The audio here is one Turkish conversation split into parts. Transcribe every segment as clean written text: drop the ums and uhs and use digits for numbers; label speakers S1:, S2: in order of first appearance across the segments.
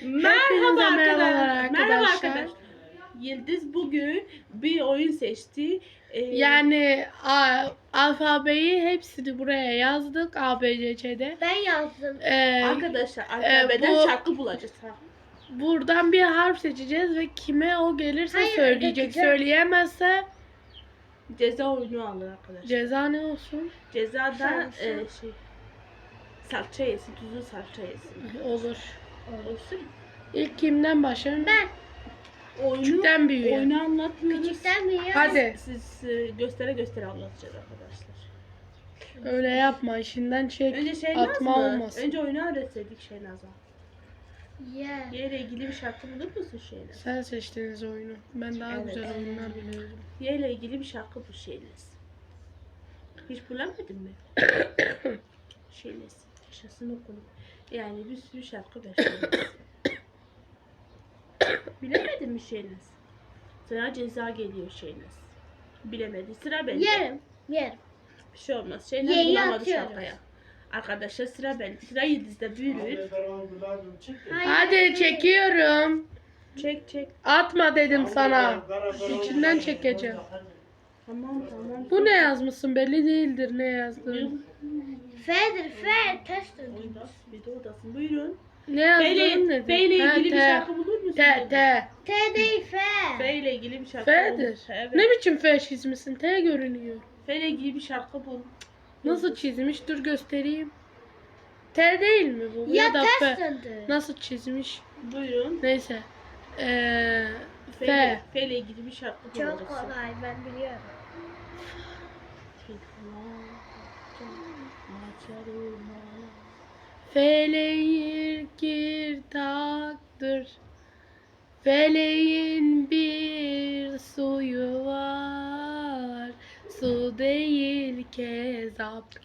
S1: Merhaba
S2: merhabalar
S1: arkadaşlar. Merhaba
S2: arkadaşlar.
S1: arkadaşlar. Yıldız bugün bir oyun seçti.
S2: Yani alfabeyi hepsini buraya yazdık ABC'de.
S3: Ben yazdım.
S1: Arkadaşlar alfabeden
S2: bu-
S1: şarkı bulacağız. Ha.
S2: Buradan bir harf seçeceğiz ve kime o gelirse
S3: Hayır,
S2: söyleyecek.
S3: bakacağız.
S2: Söyleyemezse
S1: Ceza oyunu alır arkadaşlar.
S2: ceza ne olsun?
S1: Cezada
S3: Sarımsak.
S1: salça yesin, tuzlu salça yesin.
S2: Olur.
S1: Olsun.
S2: İlk kimden başlayalım?
S3: Ben
S2: Küçükten büyüğe.
S1: Oyunu anlatmıyoruz.
S3: küçükten büyüğe.
S2: Hadi.
S1: Siz göstere göstere anlatacağız arkadaşlar.
S2: Öyle yapma. İşinden çek.
S1: Önce Şeynaz
S2: Atma
S1: mı?
S2: olmasın.
S1: Önce oyunu öğretseydik Şeynaz'a.
S3: Ye.
S1: Yerle ilgili bir şarkı bulur musun Şeynaz?
S2: Sen seçtiniz oyunu. Ben daha
S1: Evet.
S2: güzel oyunlar biliyorum.
S1: Yerle ilgili bir şarkı bu Şeynaz. Hiç bulamadın mı? Şeynaz. Yaşasın okulu. Yani bir sürü şarkı var Şeynaz. Bilemedin mi Şeynaz? Sana ceza geliyor Şeynaz. Bilemedi. Sıra bende.
S3: Yerim. Yerim.
S1: Bir şey olmaz. Şeynaz
S3: Yeyi
S1: bulamadı
S3: atıyoruz.
S1: şarkıya. Arkadaşlar sıra bende. Sıra Yıldız'da büyür.
S2: Hadi çekiyorum.
S1: Çek çek.
S2: Atma dedim sana. İçinden çekeceğim.
S1: Tamam tamam.
S2: Bu ne yazmışsın belli değildir ne yazdığın.
S3: F'dir. F. Ters döndü.
S1: Bir de odasın. Buyurun.
S2: Ne yazdığın
S1: F
S2: nedir?
S1: ile
S2: Ha,
S1: ilgili bir
S2: T.
S1: şarkı bulur musun?
S2: T.
S3: T değil F.
S1: F ile ilgili bir şarkı
S2: F'dir.
S1: bul. Evet.
S2: Ne biçim F çizmişsin? T görünüyor.
S1: F ile ilgili bir şarkı bul.
S2: Nasıl çizmiş? Dur göstereyim. T değil mi bu?
S3: Ya
S2: da
S3: ters
S2: F.
S3: döndü.
S2: Nasıl çizmiş?
S1: Buyurun.
S2: Neyse.
S1: F
S2: F.
S1: ile ilgili bir şarkı bul.
S3: Çok kolay ben biliyorum.
S2: Feleğin girdaktır. Feleğin bir suyu var. Su değil kezap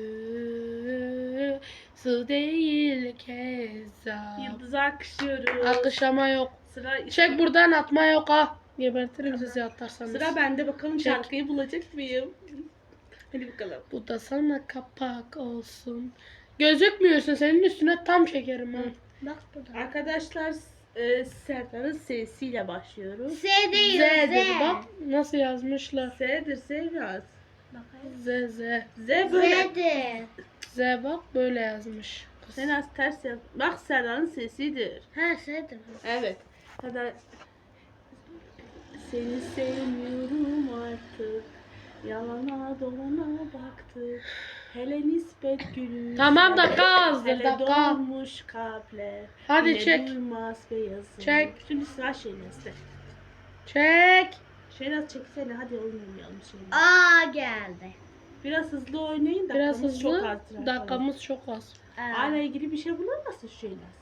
S2: gülü. Su değil kezap.
S1: Yıldız'a akışıyoruz.
S2: Alkışlama yok.
S1: Sıra
S2: Çek buradan atma yok ha. Gebertirim sizi atarsanız.
S1: Sıra bende, bakalım
S2: Çek.
S1: şarkıyı bulacak mıyım? Hadi bakalım.
S2: Bu da sana kapak olsun. Gözükmüyorsun, senin üstüne tam çekerim ha.
S3: Bak burada.
S1: Arkadaşlar Serdar'ın sesiyle başlıyoruz.
S3: S değil
S2: Z
S3: Z.
S2: dedi bak nasıl yazmışlar.
S1: S'dir, S biraz.
S3: Bakayım.
S2: Z.
S1: Z böyle.
S3: Z'dir.
S2: Z bak böyle yazmış.
S1: Sen az ters yaz. Bak Serdar'ın sesidir.
S3: Ha S'dir.
S1: Evet. Serdar, seni sevmiyorum artık. Yalana dolana baktık. Hele nispet gülüş.
S2: Tamam, dakika azdır,
S1: Hele
S2: dakika.
S1: dolmuş kalpler.
S2: Hadi
S1: Yine
S2: çek.
S1: Durmaz beyazın.
S2: Çek.
S1: Şimdi sıra Şeynaz'da.
S2: Çek.
S1: Şeynaz çeksene, hadi oynayalım Şeynaz.
S3: A geldi.
S1: Biraz hızlı oynayın,
S2: Biraz
S1: dakikamız
S2: hızlı.
S1: çok azdır.
S2: Dakikamız çok az.
S1: A ile ilgili bir şey bulamazsın Şeynaz.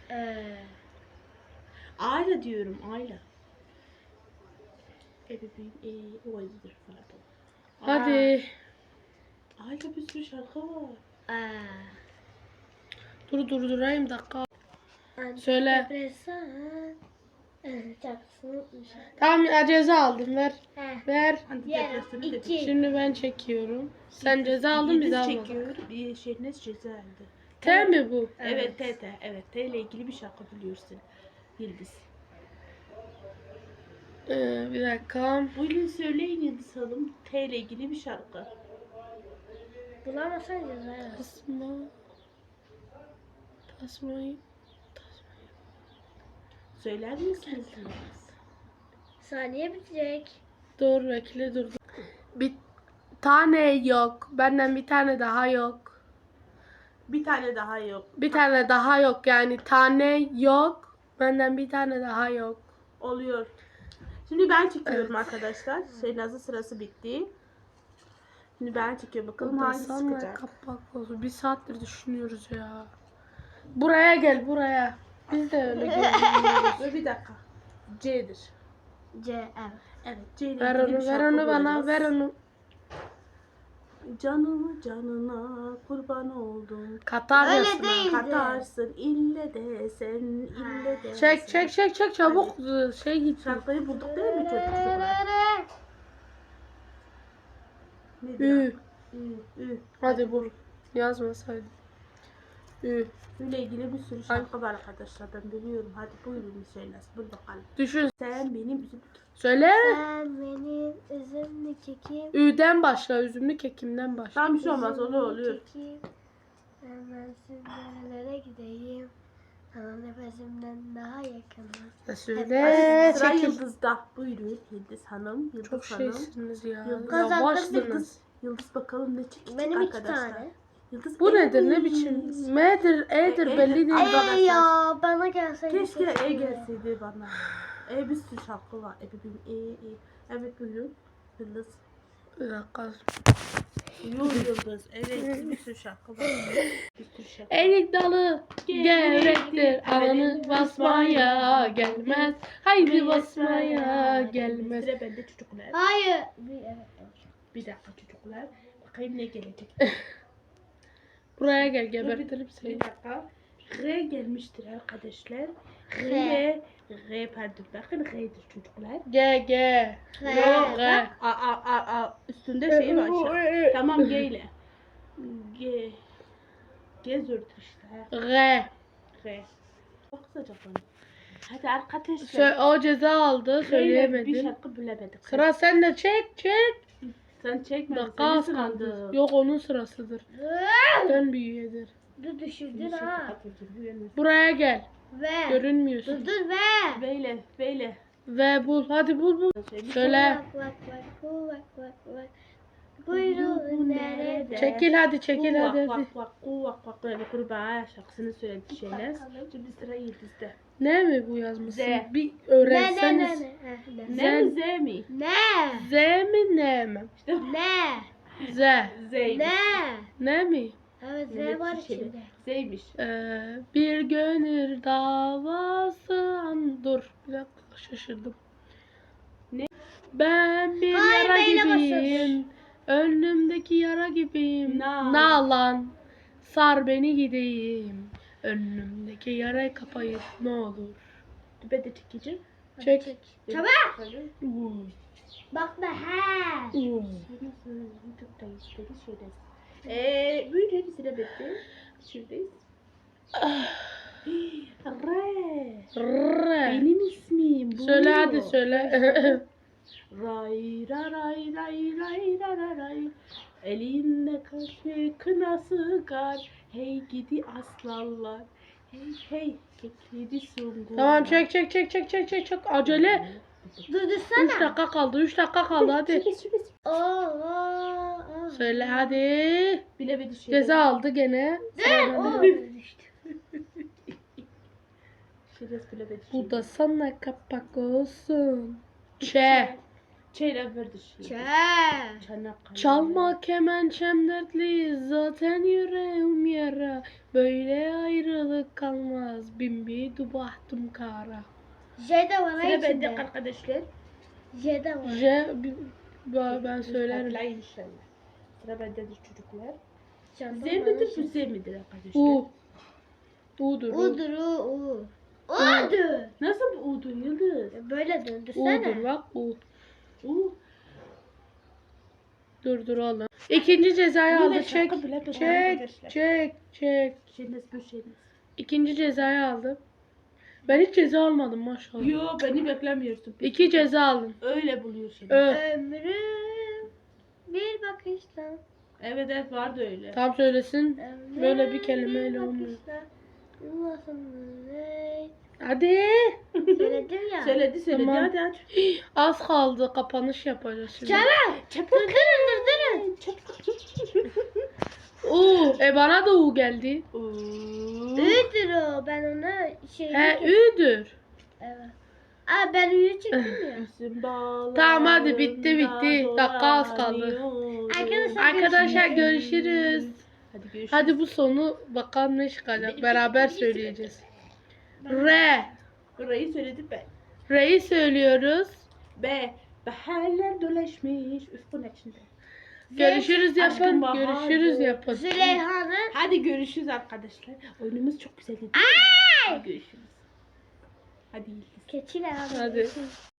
S1: A ile diyorum, A ile. Ebeveyn, o ayıdır pardon.
S2: Hadi.
S1: A ile bir sürü şarkı var.
S2: Dur durdurayım dakika. Söyle.
S3: Depresan. Şarkısını unutmuşum.
S2: Tamam ya, ceza aldım ver.
S3: Heh.
S2: Ver.
S1: Antidepresanı dedik.
S3: iki.
S2: Şimdi ben çekiyorum. Sen ceza aldın biz
S1: Yıldız
S2: almadık.
S1: çekiyor, bir Şeynaz ceza aldı.
S2: T mi bu?
S1: Evet, T. Evet, T ile ilgili bir şarkı biliyorsun. Yıldız.
S2: Bir dakika.
S1: Buyurun söyleyin Yıldız Hanım. T ile ilgili bir şarkı.
S3: Bulamasan ceza yaz.
S2: Tasma. Tasmayı.
S1: Söyler misiniz Yıldız?
S3: Saniye bitecek.
S2: Dur bekle dur. Bir tane yok. Benden bir tane daha yok.
S1: Bir tane daha yok.
S2: Bir tane daha yok yani tane yok. Benden bir tane daha yok.
S1: Oluyor. Şimdi ben çekiyorum arkadaşlar. Şeynaz'ın sırası bitti. Şimdi ben çekiyorum. Bakalım hangisi
S2: Sana
S1: çıkacak.
S2: kapak olsun. Bir saattir düşünüyoruz ya. Buraya gel buraya. Biz de öyle görünüyoruz.
S1: Dur bir dakika. C'dir.
S3: C evet.
S1: Evet, C ile
S2: Ver
S1: ilgili
S2: onu
S1: bir
S2: ver
S1: şarkı
S2: onu bana
S1: bulacağız.
S2: ver onu.
S1: Canımı canına kurban oldum.
S2: Katar
S3: Öyle
S2: yazsın ha.
S3: değil.
S1: Katarsın ille de sen ille de
S2: Çek
S1: sen.
S2: çek çek çek çabuk şey git.
S1: Şarkıyı bulduk değil mi çocuklar? Nedir?
S2: Ü.
S1: Ü.
S2: Hadi bul. Yazmasaydım. Ü.
S1: Böyle ilgili bir sürü şarkı var arkadaşlar. Ben biliyorum. Hadi buyurun söylesin. Bul bakalım.
S2: Düşün.
S1: Sen benim üzüm.
S2: Söyle.
S3: Sen benim üzümlü kekim.
S2: Ü'den başla. Üzümlü kekimden başla.
S1: Tam bir şey olmaz. O ne oluyor?
S3: Kekim. Hemen nerelere gideyim. Sana nefesimden daha yakınım.
S2: Söyle.
S1: Sıra
S2: Çekil.
S1: Yıldız'da. Buyurun Yıldız Hanım. Yıldız
S2: Çok
S1: Hanım.
S2: şeysiniz ya.
S1: Yıldız.
S2: Yavaşsınız.
S1: Yıldız bakalım ne çıkacak
S3: Benim iki
S1: arkadaşlar.
S3: tane.
S1: Yıldız
S2: Bu nedir? Ne
S1: Yıldız.
S2: biçim? M'dir, E'dir
S1: E,
S2: belli değil.
S1: arkadaşlar.
S3: Ya bana gelseydi.
S1: Keşke
S3: keşke.
S1: gelseydi bana. Bir sürü şarkı var. Bebeğim. Evet buyurun. Yıldız.
S2: Bir dakika.
S1: Yıldız. Evet bir sürü şarkı var. Bir sürü şarkı.
S2: Erik dalı gevrektir. Alanı basmaya gelmez. Haydi basmaya gelmez.
S1: Sıra bende çocuklar.
S3: Hayır.
S1: Bir dakika çocuklar. Bakayım ne gelecek.
S2: Buraya gel gebertirim seni.
S1: Bir dakika. R gelmiştir arkadaşlar.
S3: R.
S1: R pardon. Bakın R'dir çocuklar.
S2: G. Yok G.
S1: Üstünde şey var. Tamam G ile. G. G zor işte.
S2: G.
S1: R. Çok sıcak onu. Hadi arkadaşlar.
S2: O ceza aldı.
S1: Bir
S2: Söyleyemedin.
S1: şarkı bilemedik.
S2: Sıra sende. Çek.
S1: Sen çekme.
S2: Dakika
S1: Senin
S2: az kaldı.
S1: sırandı.
S2: Yok onun sırasıdır. Dön büyüyedir.
S3: Dur düşürdün
S1: Bir şarkı
S3: ha.
S1: kapatacağım, bu yana.
S2: Buraya gel.
S3: Ve.
S2: Görünmüyorsun.
S3: Dur ve.
S1: Beyle.
S2: Ve bul. Hadi bul. Söyle.
S3: Bak. Buyurun nerede?
S2: Çekil hadi çekil hadi.
S1: Kuvak böyle kurbağa şarkısını söyledi şeyler. Şimdi sıra Yıldız'da.
S2: Ne mi bu yazmışsın?
S1: Z.
S2: Bir
S3: Ne
S2: öğrenseniz.
S1: Ne mi Z mi?
S3: Ne?
S2: Z mi ne mi?
S1: İşte
S3: Ne?
S2: Z.
S1: Z'ymiş.
S3: Ne?
S2: Ne mi?
S3: Evet
S1: Evet,
S3: Z var
S1: şey,
S3: içinde.
S1: Z'ymiş.
S2: Bir gönül davası dur bir dakika şaşırdım.
S1: Ne?
S2: Ben bir
S3: Hayır,
S2: yara
S3: beyle
S2: gibiyim. Önümdeki yara gibiyim.
S1: Na.
S2: Nalan. Sar beni gideyim. Önümdeki yarayı kapayıp ne olur.
S1: Ben de çekeceğim.
S2: Çek.
S3: Çabuk.
S2: Uuu.
S3: Bak be he.
S2: Uuu.
S1: YouTube'dayız. Dedi şöyle. Buyurun sıra bitti. Şuradayız. R.
S2: Rrrr.
S1: Benim ismim bu.
S2: Söyle hadi söyle.
S1: Ray ray ray ray ray ray ray. Elinde kaşe kınası gar. Hey gidi aslanlar. Hey kekleri sungur.
S2: Tamam çek. Acele.
S3: Durdursana.
S2: 3 dakika kaldı. 3 dakika kaldı hadi.
S3: Oo.
S2: Söyle hadi.
S1: Bilemedi şey.
S2: Ceza aldı gene.
S3: Oo.
S1: Şiraz bilemedi şey.
S2: Bu da sana kapak olsun. Ç.
S1: Çeyre verdi şey. Çanakkale.
S2: Çalma kemençem dertli zaten yüreğim yara. Böyle ayrılık kalmaz bin bir dubahtım kara.
S3: J de var ha
S1: Sıra bende
S3: içinde.
S1: arkadaşlar.
S3: J de var.
S2: Ben söylerim.
S1: Hatırlayın inşallah. Sıra bendedir çocuklar. Z
S3: Canım
S1: midir bu
S3: bana
S1: Z midir arkadaşlar?
S2: U. U'dur.
S3: U'dur U. U'dur.
S1: Nasıl bu U'dur Yıldız?
S3: Böyle
S2: U'dur
S3: döndürsene.
S2: bak U.
S1: U.
S2: Dur oğlum. İkinci cezayı
S1: Yine
S2: aldı. Çek.
S1: şarkı bile
S2: Çek.
S1: arkadaşlar.
S2: Çek.
S1: Şeyiniz bu şeyiniz.
S2: İkinci cezayı aldım. Ben hiç ceza almadım maşallah.
S1: Yo beni beklemiyorsun.
S2: 2 ceza aldım.
S1: Öyle buluyor şimdi.
S3: Ömrüm bir bakışla.
S1: Evet vardı öyle.
S2: Tam söylesin.
S3: Ömrüm
S2: Böyle bir kelimeyle olmuyor.
S3: bakışla. Nasıl ne?
S2: Hadi.
S3: Söyledim ya.
S1: Söyledi
S2: Tamam.
S1: hadi aç.
S2: Az kaldı. Kapanış yapacağız şimdi.
S3: Çabuk. Durdurun.
S2: Bana da U geldi.
S3: Ü'dür o. Ben ona şey.
S2: He Ü'dür.
S3: Evet. Aa ben Ü'yü çektim ya.
S2: Tamam, hadi bitti. Dakika az kaldı. Arkadaşlar görüşürüz.
S1: Hadi görüşürüz.
S2: Hadi bu sonu bakalım ne çıkacak. Beraber söyleyeceğiz. R.
S1: Burayı söyledim ben.
S2: R'yi söylüyoruz.
S1: B. Baharlar dolaşmış. Üf bu ne şimdi?
S2: Görüşürüz yapın.
S1: Aşkım bahardır.
S2: Görüşürüz yapın.
S3: Züleyha'nın.
S1: Hadi görüşürüz arkadaşlar. Oyunumuz çok güzeldi. Hadi görüşürüz. Hadi Yıldız.
S3: Keçiler abi.
S2: Hadi.